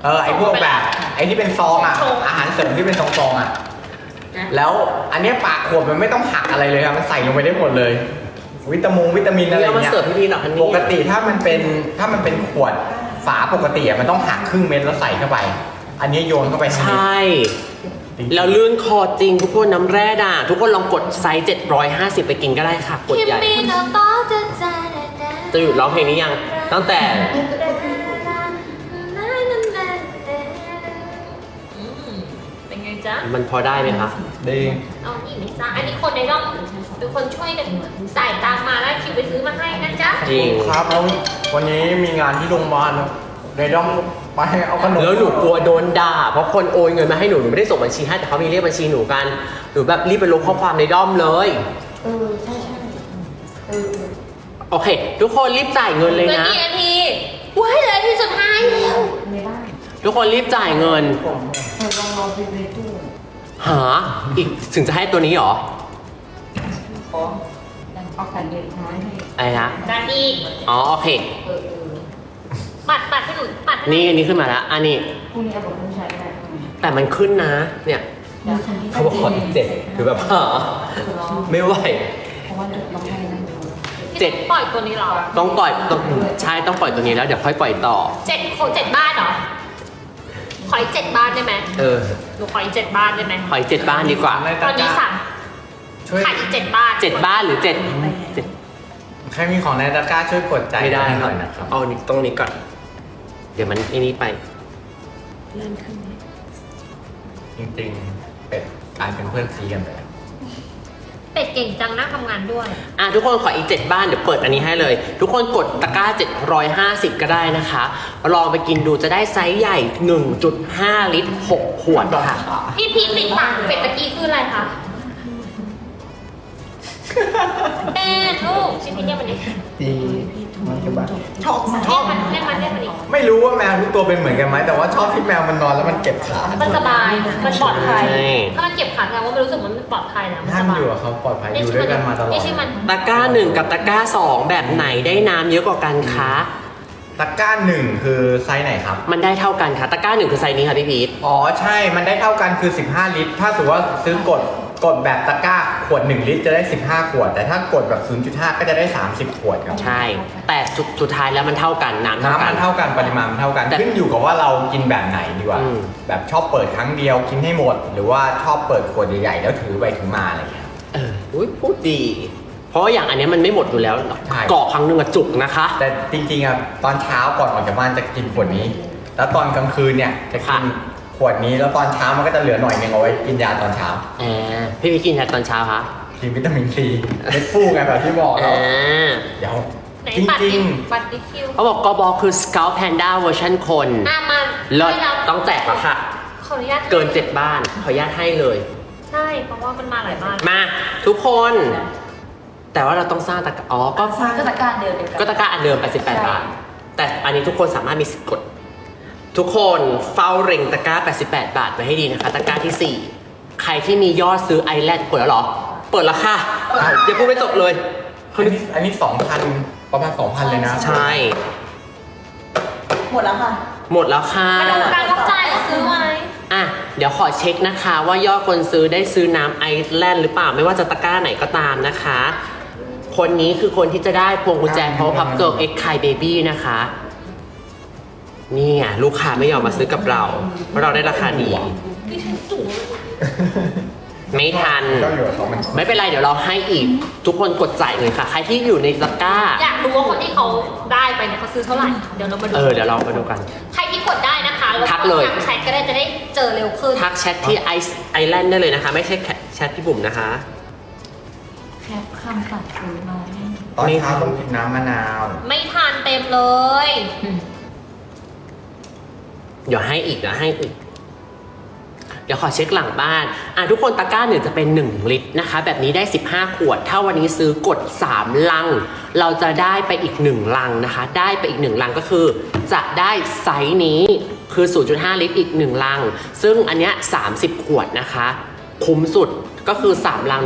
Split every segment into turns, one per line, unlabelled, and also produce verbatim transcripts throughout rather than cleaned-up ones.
เออไอพวกแบบไอที่เป็นซองอ่ะอาหารเสริมที่เป็นซองๆอ่ะแล้วอันเนี้ยปากขวดมันไม่ต้องหักอะไรเลยครับมันใส่ลงไปได้หมดเลย วิตามินวิตามินอะไร
เอามา
เงี้ย
เสิร์ฟพี่พีหน่อยอันนี้
ปกติถ้ามันเป็นถ้ามันเป็นขวดฝาปกติอะมันต้องหักครึ่งเม็ดแล้วใส่เข้าไป อันนี้โยนเข้าไป
ใช่แล้วลื่นคอจริงทุกคนน้ำแร่ด่าทุกคนลองกดไซส์เจ็ดร้อยห้าสิบไปกินก็ได้ค่ะกดใหญ่จะหยุดร้องเพลงนี้ยังตั้งแต่
เป็นไงจ๊ะ
มันพอได้ไหมคะ
ดี
เอาอีกไหมจ๊ะอันนี้คนในร่องเป็นคนช่วยกันจ่ายตังมาแล้วคิวไปซื้อมาให้นะจ๊ะ
จริง
ครับแล้ววันนี้มีงานที่โรงพยาบาลนะเดี๋ยวต้องไปเอาขนม
แล้วหนูกลัวโดนด่าเพราะคนโอนเงินมาให้หนูหนูไม่ได้ส่งบัญชีให้แต่เขามีเรียกบัญชีหนูกันหนูแบบรีบไปลบข้อความในด้อมเลย
เออใช่ใช่เออ
โอเค ทุกคนรีบจ่ายเงินเลย
เหลือ
นะ
กี่นาทีว้ายเหลือนาทีสุดท้ายแล้ว
ไม่ได้
ทุกคนรีบจ่ายเงิน
เออลองรอไปในตู้
หาอีกถึงจะให้ตัวนี้เหรอ
ขอเอากันเด็กน้อยให้
อะไรนะ
นาที
อ๋อโอเค
เออเออ
ปัดปัดให้หนูปัดให้ห
นี่อันนี้ขึ้นมาแล้วอันนี้
พรุ่งนี้เอาบอกต้องใช้ได้
แต่มันขึ้นนะ เนี่ย
เดี๋ยวฉันที่
เขาบอกขออีกเจ็ดหรือแบบหาไม่ไหว
เพราะว่าเดี๋ยวต้องให้นั่นดู
เจ็ด
ปล่อยตัวนี้เหรอ
ต้องปล่อยต้องใช่ต้องปล่อยตัวนี้แล้วเดี๋ยวค่อยปล่อยต่อ
เจ็ดโคเจ็ดบ้านเหรอขออีกเจ็ดบ้านได้ไหม
เออ
หนูขออีกเจ็ดบ้านได้ไหม
ขออีกเจ็ดบ้านดีกว่า
ใน
ตอนนี้สั่ง
ช่วย
ขายอีกเจ็ดบ้าน
เจ็ดบ้านหรือเจ็ดเจ็ด
ใครมีของในตะกร้าช่วยกดใจ
ไม่ได้
ห
ห
น่
น่
อ
อย ย
นะ
นะ
ค
ค
รั
รับ บเอานี้ตรงนี้ก่อน เดี๋ยวมันไอ้นี้ไป
จริงๆเป็ดกลายเป็นเพื่อนซีกันไปแล้ว
เป็ดเก่งจังนะทำงานด้วย
อ่ะทุกคนขออีกเจ็ดบ้านเดี๋ยวเปิดอันนี้ให้เลย ทุกคนกดตะกร้าเจ็ดร้อยห้าสิบก็ได้นะคะลองไปกินดูจะได้ไซส์ใหญ่ หนึ่งจุดห้า ลิตรหกขวดค่ะ
พี่พีทติดปากเป็ดตะกี้คืออะไรคะเป็ดลูกชิ้นนี้เนี่ยมันนี่
ดีมันจะแบบ
ชอบมาก
เรียกมันเรียกมันเรียกมันดิ
ไม่รู้ว่าแมวทุกตัวเป็นเหมือนกันไหมแต่ว่าชอบที่แมวมันนอนแล้วมันเก็บขา
มันสบาย มันปลอดภัย
ใช่
ถ้ามันเก็บขาแสดงว่ามันรู้สึกว่ามันปลอดภัยแล้วมัน
ท่า
ส
น
บาย
อยู่กับเขาปลอดภัยอยู่ด้วยกันมาตลอด
นี่ชื่อมัน
ตะกร้าหนึ่งกับตะกร้าสองแบบไหนได้น้ำเยอะกว่ากันคะ
ตะกร้าหนึ่งคือไซส์ไหนครับ
มันได้เท่ากันค่ะ ตะกร้าหนึ่งคือไซส์นี้ค่ะพี่พีท
อ๋อใช่ มันได้เท่ากันคือสิบห้าลิตร ถ้าสมมติว่าซื้อกดกดแบบตะกร้าขวดหนึ่งลิตรจะได้สิบห้าขวด แต่ถ้ากดแบบ ศูนย์จุดห้า ก็จะได้สามสิบขวดครับ
ใช่ แต่สุดสุดท้ายแล้วมันเท่ากันน้ำเท่า
น้ำ
กั
มัน นเท่ากันปริมาณมันเท่ากัน
แต่
ขึ้นอยู่กับว่าเรากินแบบไหนดีกว่า
อืม
แบบชอบเปิดครั้งเดียวกินให้หมด หรือว่าชอบเปิดขวดใหญ่ๆแล้วถือไปถือมาอะไรเงี้ย
เอออุ้ยพูดดี เพราะว่าอย่างอันเนี้ยมันไม่หมดอยู่แล้ว
ใช่
เกาะครั้งหนึ่งอะจุกนะคะ
แต่จริงๆอ่ะตอนเช้าก่อนออกจากบ้านจะกินขวดนี้ แล้วตอนกลางคืนเนี่ยจะกิน
ค่ะ
ขวดนี้แล้วตอนเช้ามันก็จะเหลือหน่อยนึงเอาไว้กินยาตอนเช้า
อ่าพี่พีทกินอะไรตอนเช้าคะ
กินวิตามินซีเม็ดฟูไงแบบที่บอก
อ่
เรา
า
เดี๋ยว
ไหน
จ
ปัด
ริ
ดิ
ง
ปัดดิคิว
เขาบอกกบคือ Scout Panda เวอร์ชันคน
อ่ะมา
เลิศ
ให้เรา
ต้องแจกแล้วค่ะ
ขออนุญาต
เกินเจ็ดบ้านขออนุญาตให้เลย
ใช่ เพราะว่ามันมาหลายบ้าน
มาทุกคน แต่ว่าเราต้องสร้างตะกร้าอ๋อก็
สร้างก็ตะการเดียวเดียวกัน
ก็ตะกร้าอันเดิมแปดสิบแปดบาท แต่อันนี้ทุกคนสามารถมีสิทธิ์กด ทุกคนเฝ้าเร่งตะกร้าแปดสิบแปดบาทไว้ให้ดีนะคะ ตะกร้าที่สี่ใครที่มียอดซื้อไอแลนด์เปิดแล้วเหรอ เปิดแล้วค่ะอย่าพูดไม่จบเลย
ๆอันนี้อันนี้สองพันประมาณสองพันเลยนะ
ใช่
หมดแล้วค่ะ
หมดแล้วค่ะ
มาดูการรับจ่ายหรือซื้อไว้
อ่ะเดี๋ยวขอเช็คนะคะ ว่ายอดคนซื้อได้ซื้อน้ำไอแลนด์หรือเปล่าไม่ว่าจะตะกร้าไหนก็ตามนะคะ คนนี้คือคนที่จะได้พวงกุญแจ Power Puff Girl X Kai Baby นะคะ นี่ไงลูกค้าไม่ยอมมาซื้อกับเรา เพราะเราได้ราคาดี
ดิฉันสูง
ไม่ทัน
ก็อยู่กับเขามัน
ไม่เป็นไรเดี๋ยวเราให้อีก ทุกคนกดจ่ายเลยค่ะ ใครที่อยู่ในตะกร้า
อยากรู้ว่าคนที่เขาได้ไปเนี่ยเขาซื้อเท่าไหร่ เดี๋ยวเรามาดู
เออเดี๋ยวเรามาดูกัน
ใครที่กดได้นะคะแล้ว
ทักเลย
ทักแชทก็ได้จะได้เจอเร็วขึ้น
ทักแชทที่ไอไอแลนด์ได้เลยนะคะ ไม่ใช่แชทที่บุ๋มนะคะ
แคปคำตัดซื้อมาให้
ตอนเช้าต้องกินน้ำมะนาว
ไม่ทานเต็มเลย
เดี๋ยวให้อีกเดี๋ยวให้อีก เดี๋ยวขอเช็คหลังบ้าน อ่ะทุกคนตะกร้าหนึ่งจะเป็นหนึ่งลิตรนะคะ แบบนี้ได้สิบห้าขวด ถ้าวันนี้ซื้อกดสามลัง เราจะได้ไปอีกหนึ่งลังนะคะ ได้ไปอีกหนึ่งลังก็คือ จะได้ไซส์นี้คือ ศูนย์จุดห้า ลิตรอีกหนึ่งลัง ซึ่งอันเนี้ยสามสิบขวดนะคะ คุ้มสุดก็คือสามลังเนี่ย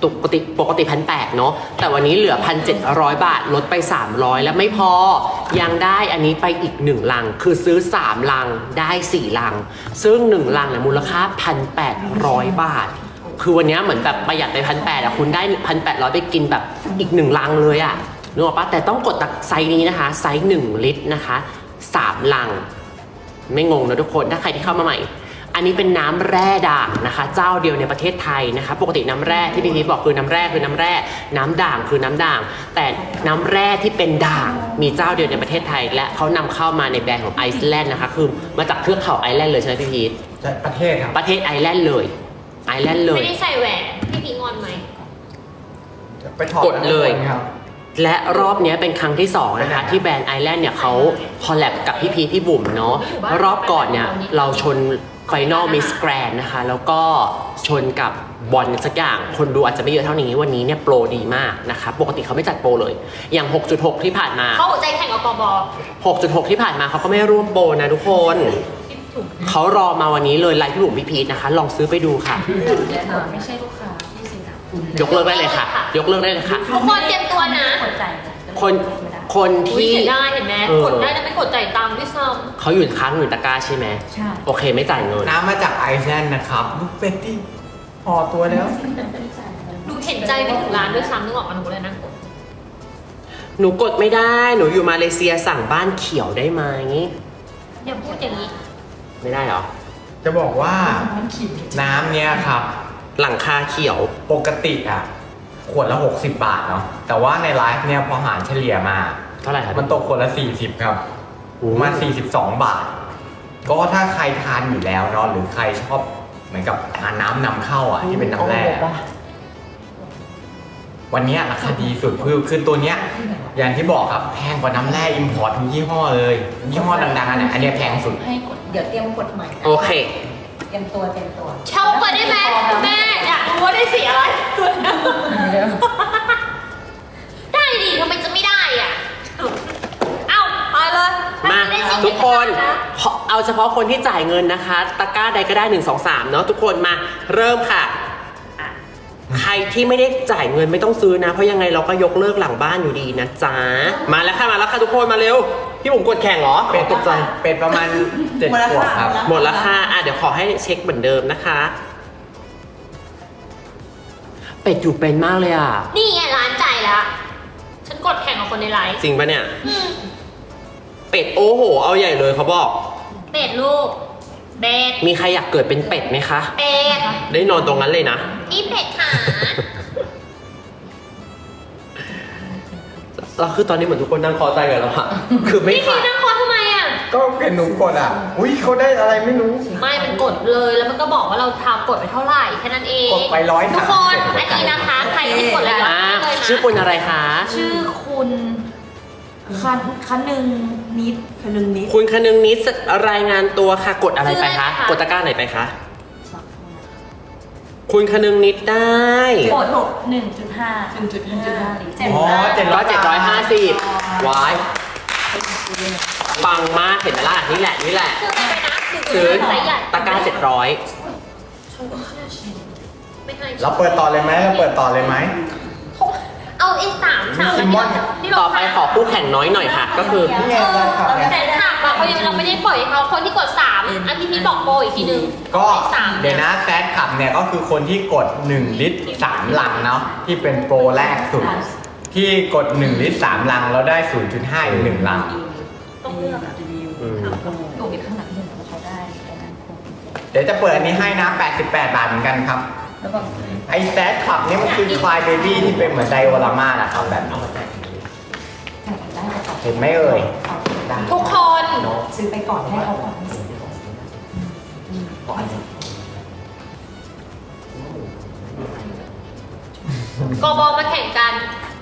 ปกติปกติพันแปดเนาะแต่วันนี้เหลือพันเจ็ดร้อยบาทลดไปสามร้อยแล้วไม่พอยังได้อันนี้ไปอีกหนึ่งลังคือซื้อสามลังได้สี่ลังซึ่งหนึ่งลังเนี่ยมูลค่าพันแปดร้อยบาทคือวันนี้เหมือนแบบประหยัดไปพันแปดอะคุณได้พันแปดร้อยไปกินแบบอีกหนึ่งลังเลยอะนึกออกปะแต่ต้องกดตักไซส์นี้นะคะไซส์หนึ่งลิตรนะคะสามลังไม่งงนะทุกคนถ้าใครที่เข้ามาใหม่อันนี้เป็นน้ำแร่ด่างนะคะเจ้าเดียวในประเทศไทยนะคะปกติน้ำแร่ที่พี่พีชบอกคือน้ำแร่คือน้ำแร่น้ำด่างคือน้ำด่างแต่น้ำแร่ที่เป็นด่างมีเจ้าเดียวในประเทศไทยและเขานำเข้ามาในแบรนด์ของไอซ์แลนด์นะคะคือมาจากเทือกเขาไอซ์แลนด์เลยใช่ไหมพี่พีช
ประเทศครับ
ประเทศไอซ์แลนด์เลยไอซ์แลนด์เลย
ไม่ได้ใส่แหวนพี่พีงอนไหม
ไปถอด
กดเลย
ครับ
และรอบนี้เป็นครั้งที่สองนะคะที่แบรนด์ไอแลนด์เนี่ยเขาคอลแลบกับพี่พีชพี่บุ๋มเนาะรอบก่อนเนี่ยเราชนไฟนอลมิสแกรนนะคะแล้วก็ชนกับบอลสักอย่างคนดูอาจจะไม่เยอะเท่านี้วันนี้เนี่ยโปรดีมากนะคะปกติเขาไม่จัดโปรเลยอย่าง หกจุดหก ที่ผ่านมา
เขาหัวใจแข่งกับกบ
หกจุดหก ที่ผ่านมาเขาก็ไม่ร่วมโปรนะทุกคนเขารอมาวันนี้เลยไลฟ์พี่บุ๋มพี่พีชนะคะลองซื้อไปดูค่ะ
ไม่ใช่ลูกค้าที่ซื้อนะ
ยกเลิกได้เลยค่ะ ยกเลิกได้เลยค่ะ
ทุกคนเตรียมตัวนะ
กดใจ
คนคน
อุ้ย
ที่
เสียดายเห็นไหม
เออ
กดได้แล้วไม่กดจ่ายตังค์ด้วยซ้
เขาอยู่ค้างอยู่ตะกร้าใช่ไหม
ใช่
โอเคไม่จ่ายเงิน
น้ำมาจากไอซ์แลนด์นะครับลูกเป็ดที่ห่อตัวแล้ว
ำดูเห็นใจไปถึงร้านด้วยซ้ำนึกออกมาหนูเลยนะกด
หนูกดไม่ได้ หนูอยู่มาเลเซียสั่งบ้านเขียวได้ไหม
อย่าพูดอย่างนี้
ไม่ได้เหรอ
จะบอกว่าน้ำเนี้ยครับ
หลังคาเขียว
ปกติอ่ะขวดละหกสิบบาทเนาะแต่ว่าในไลฟ์เนี่ยพอหารเฉลี่ยมา
เท่าไหร่ครับ
มันตกขวดละสี่สิบครับ
โอ้
ประมาณสี่สิบสองบาท ก็ถ้าใครทานอยู่แล้วเนาะหรือใครชอบเหมือนกับทานน้ำนำเข้าอ่ะที่เป็นน้ำแร่อะวันเนี้ยราคาดีสุดคือคือตัวเนี้ยอย่างที่บอกครับแพงกว่าน้ำแร่อิมพอร์ตทุกยี่ห้อเลยยี่ห้อดังๆอันเนี้ยอันเนี้ยแพงสุด
ให้กดเดี๋ยวเตรียมกดใหม่นะ
โอเค
เตรียมตัวเตรียมตัว
เช่าเปิดได้ไหมแม่อยากรู้ว่าได้สีอะไรได้ดิทำไมจะไม่ได้อ่ะ เอ้าเอาเลย
มา
ได้สี
ทุกคน
นะ
ขอเอาเฉพาะคนที่จ่ายเงินนะคะ ตะกร้าใดก็ได้หนึ่ง สอง สามเนาะทุกคนมาเริ่มค่ะอ่ะ ใครที่ไม่ได้จ่ายเงินไม่ต้องซื้อนะ เพราะยังไงเราก็ยกเลิกหลังบ้านอยู่ดีนะจ๊ะ มาแล้วค่ะมาแล้วค่ะทุกคนมาเร็ว พี่ผมกดแข่งเหรอ
เป็ด
ตกใจ
เป็ดประมาณเจ็ดขวดครับ
หมดแล้วค่ะอ่ะเดี๋ยวขอให้เช็คเหมือนเดิมนะคะ เป็ดอยู่เป็นมากเลยอ่ะ
นี่ไงร้านจ่ายแล้ว ฉันกดแข่งกับคนในไลฟ์
จริงปะเนี่ย
อืม
เป็ดโอ้โห เอาใหญ่เลยเขาบอก
เป็ดลูก เป็ด
มีใครอยากเกิดเป็นเป็ดไหมคะ
เป็ด
ได้นอนตรงนั้นเลยนะ
อีเป็ดขา
แล้วคือตอนนี้เหมือนทุกคนนั่งคอใจกันแล้วอะคือไม่
พี่พี
ขาด
นั่งคอทำไมอ่ะ
ก็เห็นหนูกดอ่ะ อุ้ยเขาได้อะไรไม่รู้
ไม่ มันกดเลย แล้วมันก็บอกว่าเราทำกดไปเท่าไหร่แค่นั้นเอง
กดไปร้อย
ทุกคน
สามสิบ
อันนี้นะคะ ใครที่กดอะไรก็
อ่า
ได้เลยนะ
ชื่อคุณอะไรคะ
ชื่อคุณคันคันหนึ่งนิดคันหนึ่งนิด
คุณคนึงนิดรายงานตัวค่ะ กดอะไรไปคะ กดตะกร้าไหนไปคะ คุณคนึงนิดได้
กดหกหนึ่งจุดห้าหนึ่งจุดห้าลิตร
อ๋อเจ็ดร้
ร้
อ
อย ยเจ็ดร้อยห้าสิบวายปังมากเห็นไหมล่ะนี่แหละนี่แหละ
ซื้ออะไรไปนะ
ซื้อ
ไซส์ใหญ่
ตะกร้าเจ็ดร้อย
ไม่ให้
เราเปิดต่อเลยไหมเราเปิดต่อเลยไหม
เอาไอ้สามสาม
ซิมมอน
ที่เรา
ต่อไปขอคู่แข่งน้อยหน่อยค่ะ ก็คือ
นี่ไงได้ครับ
แต่ถามเราเขายังเราไม่ได้ปล่อยให้เขาคนที่กดสามอันที่พี่บอกโปรอีกทีนึง
ก็
ไอ้สาม
เดี๋ยวนะแซดขับเนี่ยก็คือคนที่กดหนึ่งลิตรสามลังเนาะที่เป็นโปรแรกสุด ที่กดหนึ่งลิตรสามลังแล้วได้ ศูนย์จุดห้า อีกหนึ่งลัง
ต้องเลือกอะ
อืม
ดูอีกข้างหลังหนึ่งเขาได้แต่นั้นคง
เดี๋ยวจะเปิดอันนี้ให้นะ แปดสิบแปด บาทเหมือนกันครับ
แล้วก็
ไอ้แซดขับเนี่ยมันคือคลายเบบี้ที่เป็นเหมือนไดโอรามานะครับแบบนี้
ได้แต่ต่อ
เห็นไหมเอ่ย
ทุกคน
ซื้อไปก่อนให้เขาก่อน
กบมาแข่งกัน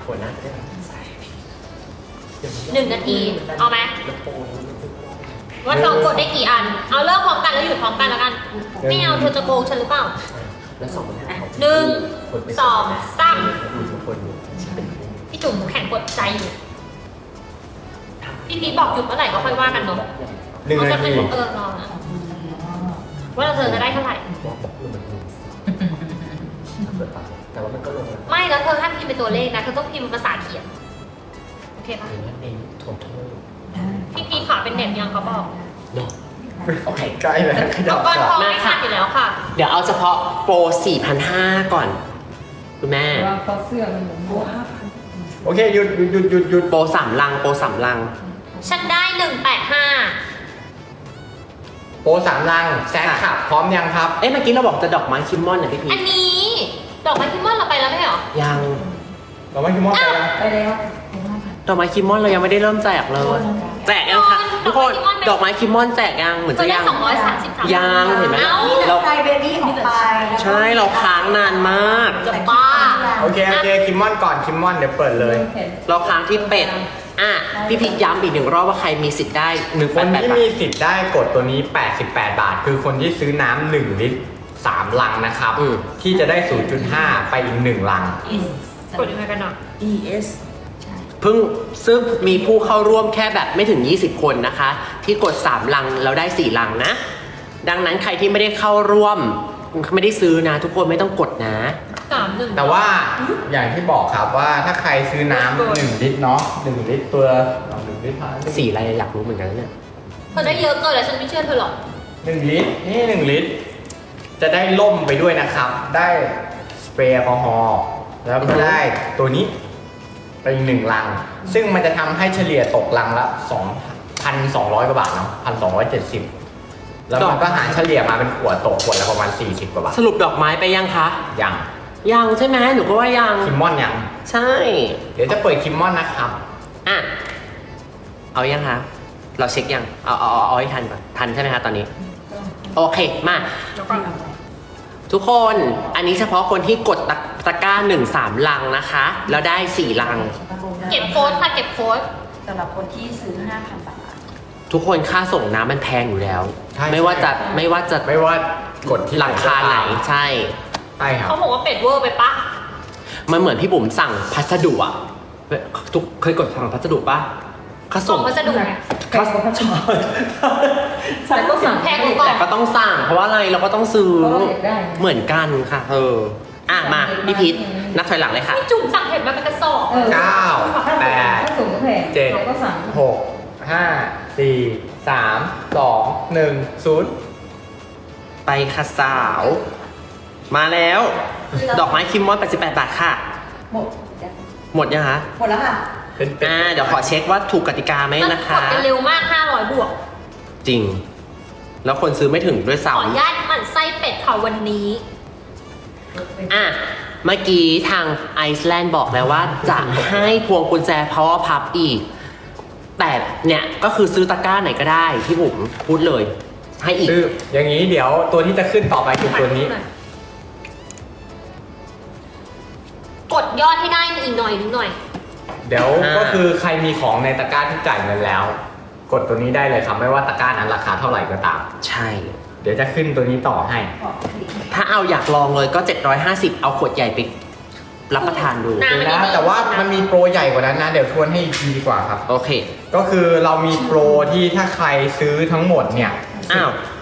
หนึ่งนาที เอาไหมว่าเรากดได้กี่อัน เอาเริ่มพร้อมกันแล้วหยุดพร้อมกันแล้วกัน ไม่เอาเธอจะโกงฉันหรือเปล่าหนึ่งสองสามพี่จุ๋มแข่งกดใจอยู่ พี่พีชบอกหยุดเมื่อไหร่ก็ค่อยว่ากันเนาะ
หนึ่งนาที
เออรอนะว่าเราเธอจะได้เท่าไหร่
แต่ว่ามันก็ลง
เป็นตัวเลขนะเธอต้องพิมพ์เป็นภาษาเขียนโอเคปะ
เน้นโทษโทษ
พี่พีขาเป็นเน็ตยังเขาบอก
เนาะ
โอเคใกล้แล้วขยั
อุ
บ
ปกรณ์ทอง
มา
ไม่
ค่ะ
ขาดอยู่แล้วค่ะ
เดี๋ยวเอาเฉพาะโปร สี่พันห้าร้อย ก่อน คุณแม่
ว่าเขาเสื้อมันเหมือนโบห้าพัน
โอเคหยุดหยุดหยุดหยุดหยุด
โปรสามลัง โปรสามลัง
ฉันได้หนึ่งแปดห้า
โปรสามลังแซกขับพร้อมยังครับ
เอ๊ะเมื่อกี้เราบอกจะดอกไม้คิมมอนนะพี่พี
อันนี้ดอกไม้คิมมอนเราไปแล้วไม่เหรอ
ยัง
เราไม่คิดว่าไปแล้ว
ไปแล้ว
ดอกไม้คิมมอนเรายังไม่ได้เริ่มแจกเลย แจกยังคะทุกคน ดอกไม้คิมมอนแจกยัง เหมือน
ตัว
จะ
ได้
ยัง
สองร้อยสามสิบสาม
ยังเห็นไหม
อ้า
เรา
ไทยเบบี้ออกไป
ใช่เราค้างนานมาก
จะบ้า
โอเคโอเคคิมมอนก่อนคิมมอนเดี๋ยวเปิดเลย
เราค้างที่เป็ด อ่ะ พี่พีย้ำอีกหนึ่งรอบว่าใครมีสิทธิ์ได้หนึ่ง
ค
แป
น
ดแปด
ที่
บาท
มีสิทธิ์ได้กดตัวนี้ แปดสิบแปด บาท คือคนที่ซื้อน้ำหนึ่งลิตรสามลังนะครับ
อืม
ที่จะได้ ศูนย์จุดห้า ไปอีกหนึ่งลัง
กดยังไงกันอ่ะ
E S
เพิ่งซึ่งมีผู้เข้าร่วมแค่แบบไม่ถึง ยี่สิบ คนนะคะ ที่กดสามลังแล้วได้สี่ลังนะ ดังนั้นใครที่ไม่ได้เข้าร่วม ไม่ได้ซื้อนะ ทุกคนไม่ต้องกดนะ
สามหนึ่ง
แต่ว่าอย่างที่บอกครับว่าถ้าใครซื้อน้ำหนึ่งลิตรเนาะหนึ่งลิตรตัวหนึ่งลิตร
สีอะไรอยากรู้เหมือนกันนะเนี่ย
เธอได้เยอะเกินแล้วฉันไม่เชื่อเธอหรอก
หนึ่งลิตรนี่หนึ่งลิตร จะได้ล่มไปด้วยนะครับ ได้สเปรย์แอลกอฮอล์แล้วก็ได้ตัวนี้ไปอีกหนึ่งลัง ซึ่งมันจะทำให้เฉลี่ยตกลังละสองพันสองร้อยกว่าบาทเนาะพันสองร้อยเจ็ดสิบแล้วมันก็หารเฉลี่ยมาเป็นขวดตกขวดละประมาณสี่สิบกว่าบาท
สรุปดอกไม้ไปยังคะ
ยัง
ยังใช่ไหมหนูก็ว่ายัง
คิมมอนยัง
ใช่
เดี๋ยวจะเปิดคิมมอนนะครับ
อ่ะ เอายังคะ เราเช็คยัง เอาเอาเอาเอาให้ทันก่อน ทันใช่ไหมคะตอนนี้ โอเค มา ทุกคน อันนี้เฉพาะคนที่กดตะตะกร้าหนึ่งสามลังนะคะ แล้วได้สี่ลัง
เก็บโค้ดค่ะเก็บโค้ด
สำหรับคนที่ซื้อ ห้าพัน บาท
ทุกคนค่าส่งน้ำมันแพงอยู่แล้ว
ใช่
ไม่ว่าจะไม่ว่าจะ
ไม่ว่ากดที่
หลังคาไหน ใช่
ใช่ครับ
เขาบอกว่าเป็ดเวอร์ไปปะ
มันเหมือนพี่บุ๋มสั่งพัสดุอะทุกเคยกดสั่งพัสดุปะค่า
ส่
ส่
ง
ง
พัสดุไง
ใครก็ชอบ
แต่ก็สั่งแพงกว่าก่อน
แต่ก็ต้องสั่ง เพราะว่าอะไรเราก็ต้องซื้อ
เพราะเราอยากได้
เหมือนกันค่ะ เออ อ่ะมาพี่พิษนับถอยหลังเลยค่ะ
พี่จุ่มสั่งเห็ดมาเป็นกระสอบ
เออ
เก้าแปด
ถ้าสูงก็แพง
เจ็ด
เราก็สั่ง
หกห้าสี่สามสองหนึ่งศูนย์
ไปค่ะสาว มาแล้ว ดอกไม้คิมมอนแปดสิบแปดบาทค่ะ
หมด
หมดยังคะ
หมดแล้วค่ะ
เป็นเป็น
อ่าเดี๋ยวขอเช็คว่าถูกกติกาไหม
มัน
นะ
ก
คะ
ดกันเร็วมากห้าร้อยบวก
จริง แล้วคนซื้อไม่ถึงด้วย
ขออนุ
ซ้ำ
ญาตหมั่นไส้เป็ดค่ะวันนี้
อ่ะ เมื่อกี้ทางไอซ์แลนด์บอกแล้วว่าจะให้พวงกุญแจ power puff อีก แต่เนี่ยก็คือซื้อตะกร้าไหนก็ได้พี่บุ๋มพูดเลย ให้อีก
คืออย่างนี้เดี๋ยวตัวที่จะขึ้นต่อไปคือตัวนี้
กดยอดให้ได้อีกหน่อยนึงหน่อย
เดี๋ยว
อ่า
ก็คือใครมีของในตะกร้าที่จ่ายเงินแล้ว กดตัวนี้ได้เลยครับไม่ว่าตะกร้านั้นราคาเท่าไหร่ก็ตาม
ใช่
เดี๋ยวจะขึ้นตัวนี้ต่อให้
ถ้าเอาอยากลองเลยก็ เจ็ดร้อยห้าสิบ เอาขวดใหญ่ไปรับประทานดู
น่า
เดี๋ยวนะแต่ว่ามันมีโปรใหญ่กว่านั้นนะ เดี๋ยวทวนให้อีกทีดีกว่าครับ
โอเค
ก็คือเรามีโปรที่ถ้าใครซื้อทั้งหมดเนี่ย
อ้าว